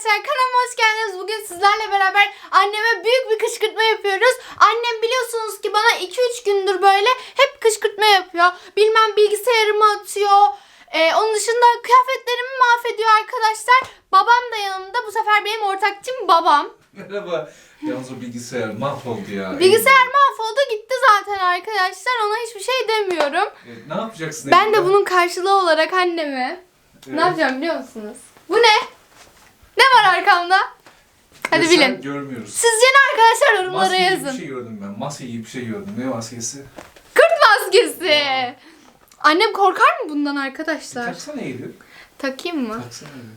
arkadaşlar, kanalıma hoş geldiniz. Bugün sizlerle beraber anneme büyük bir kışkırtma yapıyoruz. Annem biliyorsunuz ki bana 2-3 gündür böyle hep kışkırtma yapıyor. Bilmem bilgisayarımı atıyor. Onun dışında kıyafetlerimi mahvediyor arkadaşlar. Babam da yanımda. Bu sefer benim ortakçım babam. Merhaba. Yalnız o bilgisayar mahvoldu ya. Bilgisayar mahvoldu gitti zaten arkadaşlar. Ona hiçbir şey demiyorum. Ne yapacaksın? Ben de bunun karşılığı olarak anneme ne yapacağım biliyor musunuz? Bu ne? Ne var arkamda? Hadi bilin. Görmüyoruz. Sizce ne arkadaşlar, yorumlara Maske gibi yazın. bir şey gördüm ben. Maske gibi bir şey gördüm. Ne maskesi? Kurt maskesi. Annem korkar mı bundan arkadaşlar? Taksana Eylül. Takayım mı? Taksana Eylül.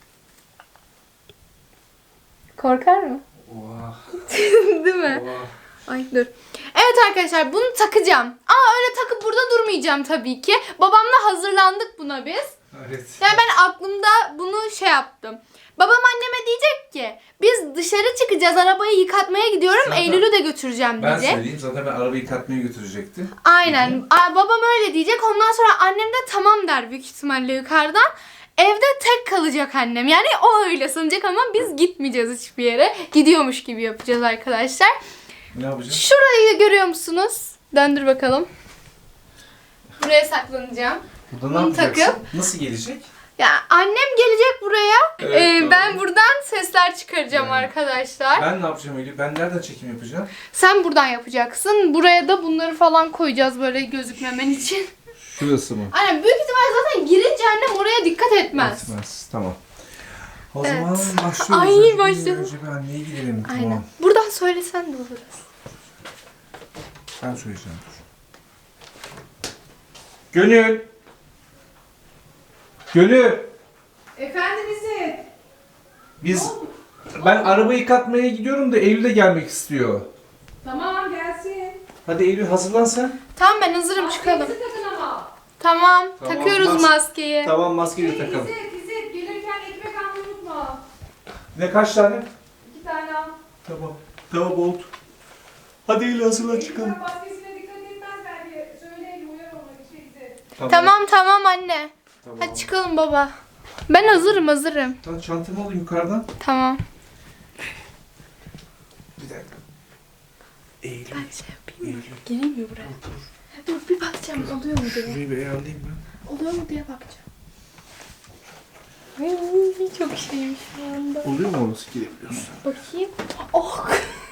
Korkar mı? Oha. Değil mi? Oha. Ay dur. Evet arkadaşlar, bunu takacağım. Ama öyle takıp burada durmayacağım tabii ki. Babamla hazırlandık buna biz. Evet. Yani ben aklımda bunu şey yaptım. Babam anneme diyecek ki biz dışarı çıkacağız, arabayı yıkatmaya gidiyorum, Zaten Eylül'ü de götüreceğim Ben diyecek. söyleyeyim, zaten ben arabayı yıkatmaya götürecekti. Aynen. Babam öyle diyecek. Ondan sonra annem de tamam der büyük ihtimalle yukarıdan. Evde tek kalacak annem. Yani o öyle sanacak ama biz gitmeyeceğiz hiçbir yere. Gidiyormuş gibi yapacağız arkadaşlar. Ne yapacağız? Şurayı görüyor musunuz? Döndür bakalım. Buraya saklanacağım. Burada ne Bunu yapacaksın? takıp- Nasıl gelecek? Ya annem gelecek buraya. Evet, doğru. Ben buradan sesler çıkaracağım Yani. arkadaşlar. Ben ne yapacağım Eylül? Ben nereden çekim yapacağım? Sen buradan yapacaksın. Buraya da bunları falan koyacağız böyle gözükmemen için. Şurası mı? Aynen, büyük ihtimal zaten girince annem oraya dikkat etmez. Etmez. Tamam. O Evet. zaman başlıyoruz. Ay, Önce başlayalım. Önce bir anneye gidelim. Aynen. Tamam. Buradan söylesen de olur. Ben söyleyeceğim. Gönül! Gönül! Efendim İzzet. Ben arabayı yıkatmaya gidiyorum da Eylül de gelmek istiyor. Tamam gelsin. Hadi Eylül hazırlan sen. Tamam, ben hazırım, çıkalım. Maskenizi takın ama. Tamam, Tamam, takıyoruz maskeyi. Tamam maskeyi de takalım. İzzet gelirken ekmek almayı unutma. Ne kaç tane? 2 tane al. Tamam. Tamam oldu. Hadi Eylül hazırlan çıkalım. Ekmek maskesine dikkat etmez belki. Söyleyin uyar ona İzzet. Tamam anne. Tamam. Hadi çıkalım baba. Ben hazırım. Tamam, çantamı alayım yukarıdan. Tamam. Bir dakika. Eylül. Ben şey yapayım mı? Eylül. Geleyim mi buraya? Dur bir bakacağım, oluyor mu diye. Şurayı bir ayarlayayım ben. Oluyor mu diye bakacağım. Ay, çok şeymiş şu anda. Oluyor mu orası girebiliyorsun? Bakayım. Oh.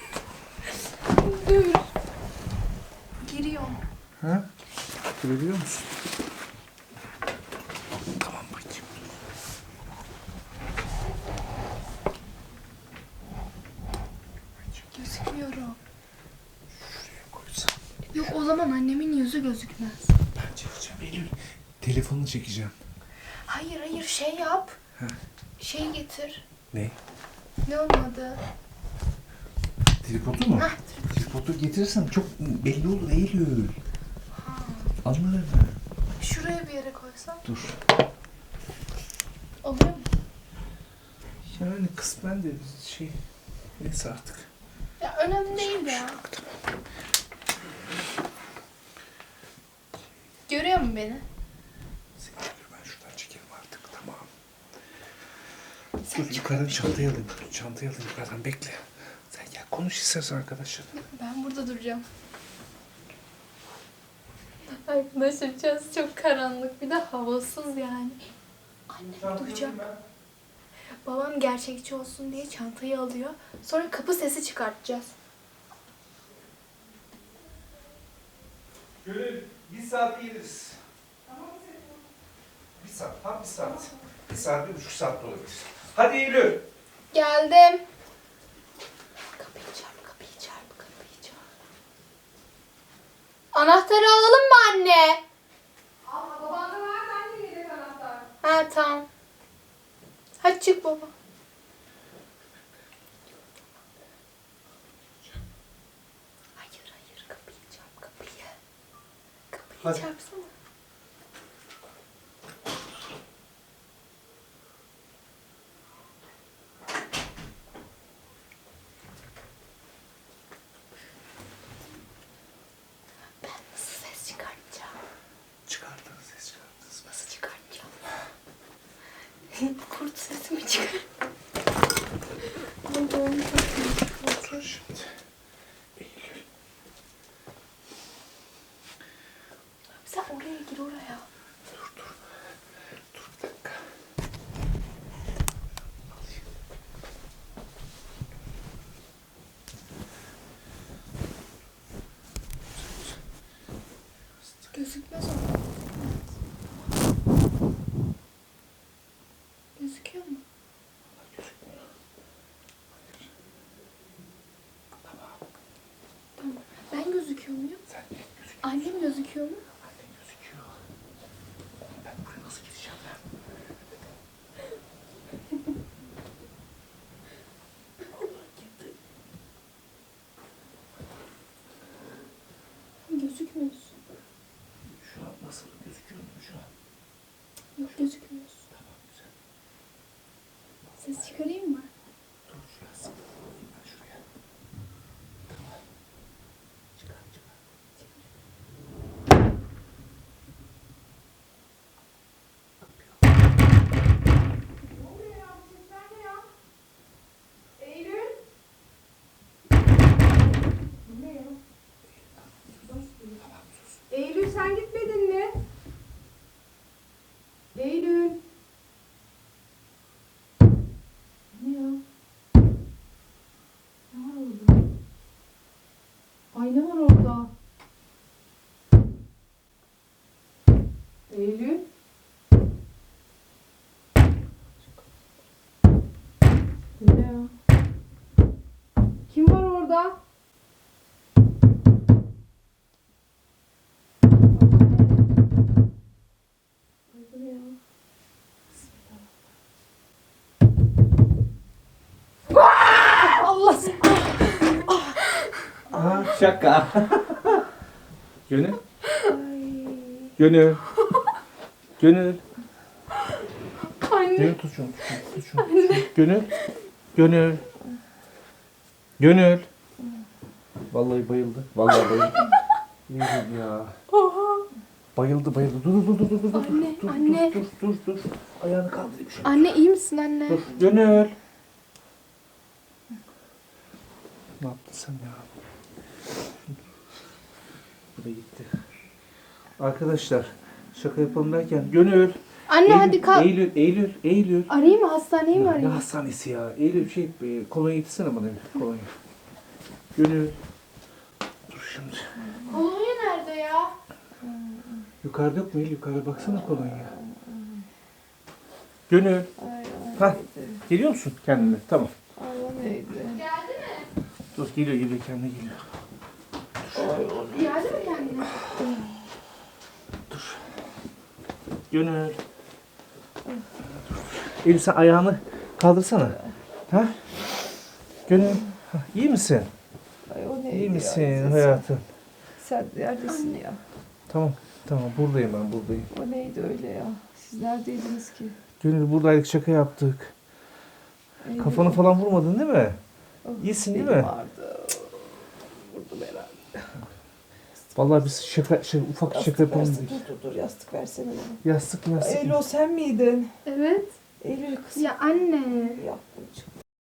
Dur. Giriyor. Ha? Girebiliyor musun? Tamam bakayım. Gözükmüyorum. Şuraya koysam. Yok, o zaman annemin yüzü gözükmez. Ben çekeceğim Eylül. Telefonunu çekeceğim. Hayır şey yap. Ha. Şey getir. Ne? Ne olmadı? Tripodu mu? Hah, Tripodu getirirsen çok belli olur Eylül. Anlarım. şuraya bir yere koysam. Dur. Oluyor mu? Yani kısmen de şey... Neyse artık. Ya önemli değil ya. Görüyor mu beni? Ben şuradan çekelim artık tamam. Dur yukarıdan çantayı alayım. Çantayı alayım yukarıdan bekle. Sen gel konuş istersen arkadaşlar. Ben burada duracağım. Arkadaşlar içerisi çok karanlık, bir de havasız yani. Annem duyacak. Babam gerçekçi olsun diye çantayı alıyor. Sonra kapı sesi çıkartacağız. Gönül bir saat geliriz. Bir saat, tam bir saat. Bir saat, 1,5 saat de olabilir. Hadi Eylül. Geldim. Kapıyı çarp. Anahtarı alalım mı anne? Al babanda var da anne yedek anahtar. Ha tamam. Hadi çık baba. Hayır kapıyı çarp kapıyı. Kapıyı Hadi. çarpsana. Ben nasıl ses çıkartacağım? Çıkartırız, ses çıkartırız. Nasıl çıkartacağım? Kurt sesi mi çıkar? gözüküyor mu? Annen gözüküyor. Ben buraya nasıl gideceğim ben? Allah gitti. Gözükmüyorsun. Şu an nasıl gözüküyor mu şu an? Yok gözükmüyorsun. Tamam güzel. Ses çıkarayım mı? Dur şuraya sıkılayım ben şuraya. Tamam. Çıkar çıkar. Ne oluyor ya? Bu sesler ne ya? Eylül? Bu ne ya? Eylül sen gitmedin mi? Eylül. Ne ya? Ne var orada? Ay ne var orada? Eylül. Bu ne ya? Kim var orada? Ay bu ne ya? Allah Aa, şaka. Gönül. Gönül. Gönül. Anne. Gönül tut şunu. Tut şunu. Gönül. Gönül. Gönül. Vallahi bayıldı. Vallahi bayıldı. Bayıldı ya. Bayıldı bayıldı. Dur. Anne, dur, anne. Dur. Ayağını kaldırayım şöyle. Anne iyi misin anne? Dur. Gönül. Ne yaptın sen ya? Bu da gitti. Arkadaşlar şaka yapalım derken Gönül. Anne Eylül, hadi kalk. Eylül. Arayayım mı? Hastaneyi mi Ne arayayım? hastanesi ya? Eylül kolonya getirsene bana bir kolonya. Gönül. Dur şimdi. Kolonya nerede ya? Yukarıda yok mu Eylül? Yukarıda baksana kolonya. Gönül. Hah. Geliyor musun kendine? Tamam. Geldi mi? Dur geliyor kendine geliyor. Geldi mi kendine? Gönül. Eylül sen ayağını kaldırsana. Ha? Gönül. Ha, iyi misin? Ay o neydi İyi ya? misin hayatım? Sen neredesin ya? Tamam. Buradayım ben buradayım. O neydi öyle ya? Siz neredeydiniz ki? Gönül buradaydık şaka yaptık. Eylül, Kafanı falan vurmadın değil mi? oh, iyisin değil benim mi? Vardı. Vurdum herhalde. Vallahi biz ufak şaka yapalım versin. dedik. Dur yastık versene bana. Yastık. Eylül o sen miydin? Evet. Eylül kız. Ya anne. Yaptım çıktı.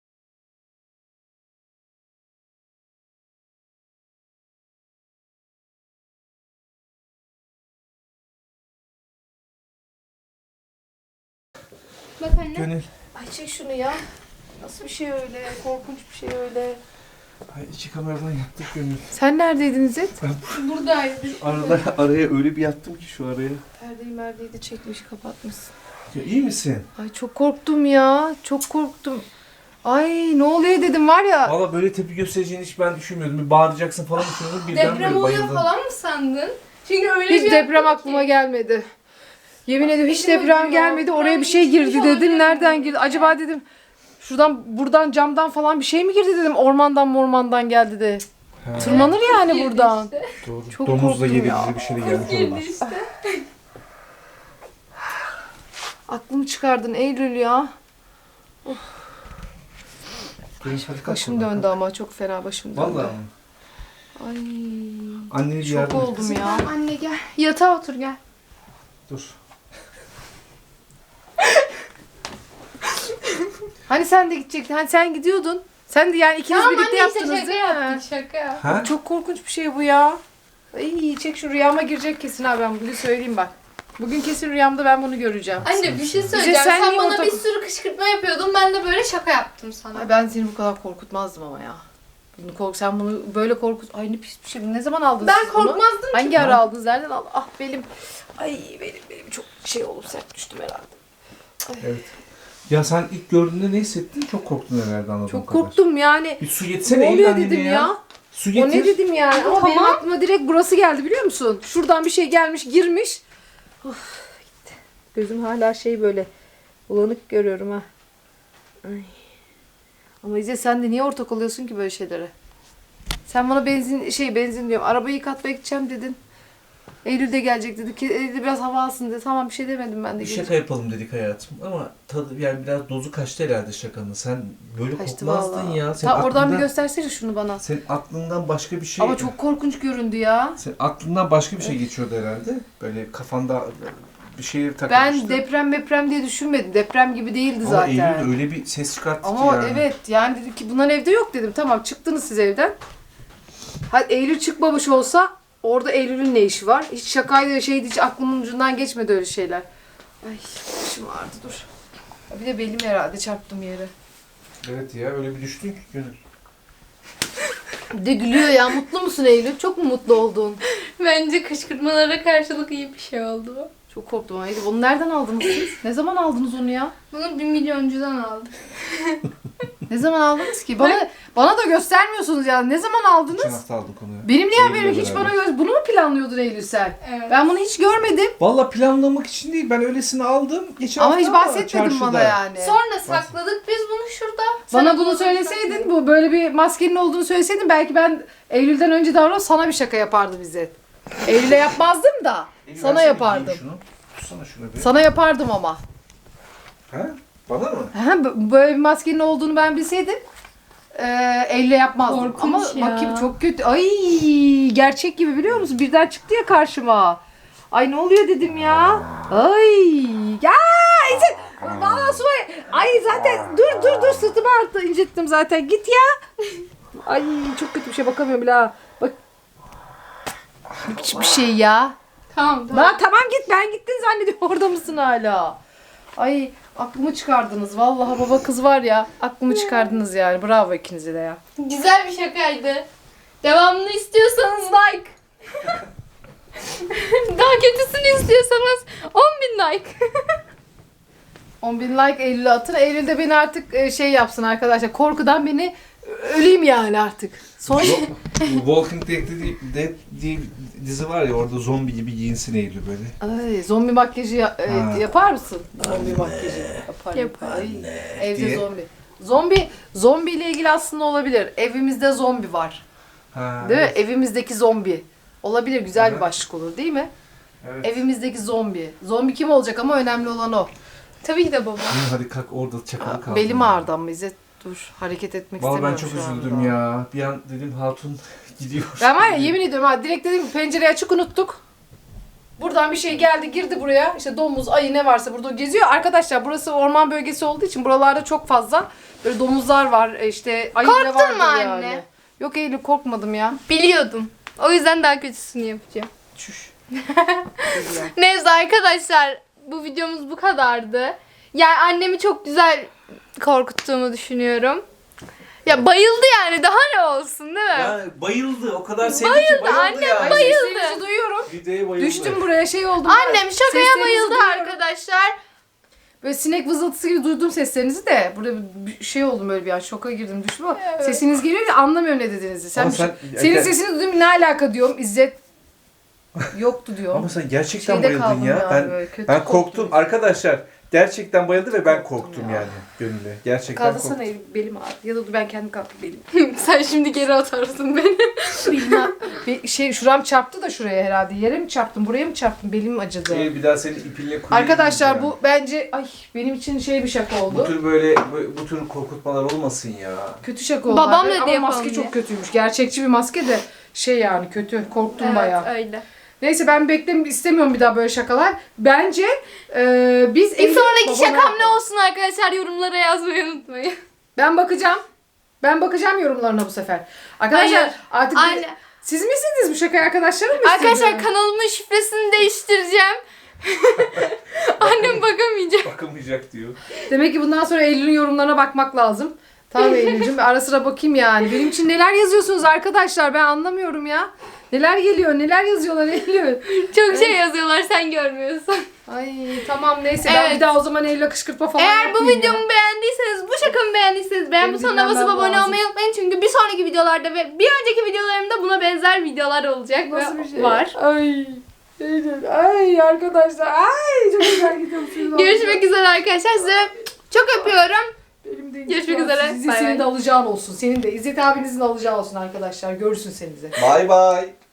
Bak anne. Gönül. Ay çek şunu ya. Nasıl bir şey öyle? Korkunç bir şey öyle. Ay, iki kameradan yattık Gönül. Sen neredeydin İzzet? Buradaydı. Araya öyle bir yattım ki şu araya. Perdeyi de çekmiş kapatmışsın. Ya iyi misin? Ay çok korktum ya. Çok korktum. Ay ne oluyor dedim var ya. Valla böyle tepki göstereceğini hiç ben düşünmüyordum. Bir bağıracaksın falan düşünüyordum. Birden Deprem böyle oluyor bayıldım. falan mı sandın? Çünkü öyle Hiç bir deprem yaptın aklıma ki. gelmedi. Yemin ediyorum hiç Elim deprem acıyor. gelmedi. Oraya bir şey Ben girdi hiçbir şey dedim. olabilir Nereden mi? girdi? Acaba dedim buradan camdan falan bir şey mi girdi dedim. Ormandan geldi de. Ha, Tırmanır yani Girdi buradan. işte. doğru. Çok Domuz da korktum yedi ya. bizi bir şey de gelmiş Girdi olmaz. işte. Aklımı çıkardın Eylül ya. Gönül, hadi kalk Başım buradan. döndü ama çok fena başım döndü. Vallahi mi? Ay. Anneni bir Şok yardım et. oldum ya. Anne gel. Yatağa otur gel. Dur. Hani sen de gidecektin. Hani sen gidiyordun. Sen de yani ikiniz Tamam birlikte anne işte yaptınız şaka değil mi? yaptık şaka. Ha? Çok korkunç bir şey bu ya. İyi çek şu rüyama girecek kesin abi ben bugün söyleyeyim bak. Bugün kesin rüyamda ben bunu göreceğim. Anne bir şey Bize söyleyeceğim. sen Sen niye bana ortak- bir sürü kışkırtma yapıyordun. Ben de böyle şaka yaptım sana. Ay ben seni bu kadar korkutmazdım ama ya. Sen bunu böyle korkut. Ay ne pis bir şey. Ne zaman aldınız Ben siz bunu? korkmazdım ki. Hangi ara aldınız? Nereden aldınız? Ah belim. Ay benim çok şey oldu sert düştüm herhalde. Evet. Ya sen ilk gördüğünde ne hissettin? Çok korktun herhalde anladığım Çok kadar. korktum yani. Bir su getsene Ne Eylül oluyor annene dedim ya. Su O getir. ne dedim yani? Ama Tamam. benim aklıma direkt burası geldi biliyor musun? Şuradan bir şey gelmiş girmiş. Of, gitti. Gözüm hala şey böyle bulanık görüyorum ha. Ay. Ama İzzet sen de niye ortak oluyorsun ki böyle şeylere? Sen bana benzin diyorum. Arabayı yıkatmaya gideceğim dedin. Eylül'de gelecek dedi ki Eylül'de biraz hava alsın dedi. Tamam bir şey demedim ben de. Bir geleceğim. şaka yapalım dedik hayatım ama tadı yani biraz dozu kaçtı herhalde şakanın. Sen böyle Kaçtı kokmazdın vallahi. ya. Sen Ta oradan bir aklından- göstersene şunu bana. Senin aklından başka bir şey... Ama çok korkunç göründü ya. Senin aklından başka bir şey geçiyordu herhalde. Böyle kafanda bir şeye Ben takılmıştı. deprem diye düşünmedim. Deprem gibi değildi Ama zaten. Eylül öyle bir ses çıkarttı Ama ki yani. evet yani dedim ki bunların evde yok dedim. Tamam çıktınız siz evden. Hadi Eylül çıkmamış olsa orada Eylül'ün ne işi var? Hiç şakaydı şeydi hiç aklımın ucundan geçmedi öyle şeyler. Ay başım ağrıdı dur. Bir de belim herhalde çarptım yere. Evet ya öyle bir düştün ki Gönül. Bir de gülüyor ya. Mutlu musun Eylül? Çok mu mutlu oldun? Bence kışkırtmalara karşılık iyi bir şey oldu. Çok korktum Eylül. Onu nereden aldınız siz? Ne zaman aldınız onu ya? Bunu 1 milyoncudan aldım. Ne zaman aldınız ki? Bana da göstermiyorsunuz ya. Ne zaman aldınız? Geçen hafta aldık onu. Benim niye Eylül'le haberim hiç beraber. bana bunu mu planlıyordun Eylül sen? Evet. Ben bunu hiç görmedim. Valla planlamak için değil. Ben öylesini aldım. Geçen Ama hafta hiç bahsetmedin bana çarşıda. yani. Sonra sakladık biz bunu şurada. Bana Sen bunu söyleseydin, bu böyle bir maskenin olduğunu söyleseydin belki ben Eylül'den önce davranıp sana bir şaka yapardım İzzet. Eylül'e yapmazdım da Eylül, sana versene yapardım. bir şunu. Tutsana şunu bir. Sana yapardım ama. Ha? Bana mı? Böyle bir maskenin olduğunu ben bilseydim Eylül'e yapmazdım. Korkunç Ama ya. bakayım çok kötü. Ay gerçek gibi biliyor musun? Birden çıktı ya karşıma. Ay ne oluyor dedim ya. Ay ya İzzet. Valla su. Ay zaten dur sırtımı arttı incittim zaten. Git ya. Ay çok kötü bir şey bakamıyorum bile ha. Bak. Ne biçim bir şey ya. Tamam tamam. Lan tamam git ben gittin zannediyorum orada mısın hala? Ay aklımı çıkardınız vallahi baba kız var ya aklımı çıkardınız yani bravo ikinize de ya. Güzel bir şakaydı. Devamını istiyorsanız like. Daha kötüsünü istiyorsanız 10.000 like. 10.000 like Eylül'e atın. Eylül de beni artık şey yapsın arkadaşlar korkudan beni öleyim yani artık. Son Walking Dead diye dizi var ya orada zombi gibi giyinsin Eylül böyle. Ay, zombi makyajı Ha. yapar mısın? Zombi makyajı yapar. Yapar. Ay, evde diye. Zombi ile ilgili aslında olabilir. Evimizde zombi var. Ha, Değil mi? evet. Evimizdeki zombi. Olabilir güzel bir Evet. başlık olur değil mi? Evet. Evimizdeki zombi. Zombi kim olacak ama önemli olan o. Tabii ki de baba. Gönül, hadi kalk orada çakalı kaldı. Belim ağrıdı ama İzzet dur hareket etmek Vallahi ben istemiyorum çok şu üzüldüm anda. ya. Bir an dedim hatun gidiyor. Ben var ya yemin ediyorum ha direkt dedim pencereyi açık unuttuk. Buradan bir şey geldi girdi buraya. İşte domuz, ayı ne varsa burada geziyor. Arkadaşlar burası orman bölgesi olduğu için buralarda çok fazla böyle domuzlar var. İşte ayı Korktun bile vardır mu anne? yani. Yok Eylül korkmadım ya. Biliyordum. O yüzden daha kötüsünü yapacağım. Çüş. Neyse arkadaşlar bu videomuz bu kadardı. Yani annemi çok güzel korkuttuğumu düşünüyorum. Ya bayıldı yani daha ne olsun değil mi? Ya bayıldı. O kadar sevdi ki bayıldı annem yani. bayıldı. Seslerinizi duyuyorum. Videoya bayıldı. Düştüm buraya şey oldum. Annem şakaya Seslerinizi bayıldı duyuyorum. arkadaşlar. Böyle sinek vızıltısı gibi duydum seslerinizi de. Burada bir şey oldum böyle bir an şoka girdim düştüm ama Evet. sesiniz geliyor ya anlamıyorum ne dediğinizi. Ama Senin sesini duydum ne alaka diyorum İzzet yoktu diyor. Ama sen gerçekten Şeyde bayıldın kaldım ya. yani böyle, kötü Ben korktum korktum. arkadaşlar. Gerçekten bayıldı ve ben Korktum korktum ya. yani Gönül'e. Gerçekten Kaldırsana korktum. belim ağrıdı. Ya da dur ben kendim kalkayım belim. Sen şimdi geri atarsın beni. Bilmem. Şuram çarptı da şuraya herhalde. Yere mi çarptım buraya mı çarptım belim acıdı. Bir daha seni ipinle kuyuya Arkadaşlar gireceğim. bu bence benim için bir şaka Bu oldu. tür böyle bu tür korkutmalar olmasın ya. Kötü şaka oldu. Babam Abi. dedi Ama yapalım maske diye. çok kötüymüş. Gerçekçi bir maske de yani kötü. Korktum bayağı. öyle. Neyse ben istemiyorum bir daha böyle şakalar. Bence biz Bir sonraki Baba şakam ne yapalım? olsun arkadaşlar yorumlara yazmayı unutmayın. Ben bakacağım. Ben bakacağım yorumlarına bu sefer. Arkadaşlar Hayır, artık anne. siz mi istediniz bu şakayı arkadaşlarım mı Arkadaşlar istedi? kanalımın şifresini değiştireceğim. Annem bakamayacak. Bakamayacak diyor. Demek ki bundan sonra Eylül'ün yorumlarına bakmak lazım. Tamam Eylül'cüm ara sıra bakayım yani. Benim için neler yazıyorsunuz arkadaşlar ben anlamıyorum ya. Neler geliyor neler yazıyorlar Eylül. Çok şey yazıyorlar sen görmüyorsun. Ay tamam neyse ben Evet. bir daha o zaman Eylül'e kışkırtma falan Eğer bu yapmayayım ya. videomu beğendiyseniz, bu şakamı beğendiyseniz beğen Benim butonuna basıp dinlenmem abone lazım. olmayı unutmayın. Çünkü bir sonraki videolarda ve bir önceki videolarımda buna benzer videolar olacak Nasıl ve bir şey? var. Ay. Eylül. Ay arkadaşlar. Ay çok güzel gidiyorsunuz. Görüşmek üzere arkadaşlar. Size çok öpüyorum. Benim de Görüşmek üzere. İzzet Bay senin bay. de alacağın olsun. Senin de İzzet abinizin de alacağı olsun arkadaşlar. Görürsün senize. Bay bay.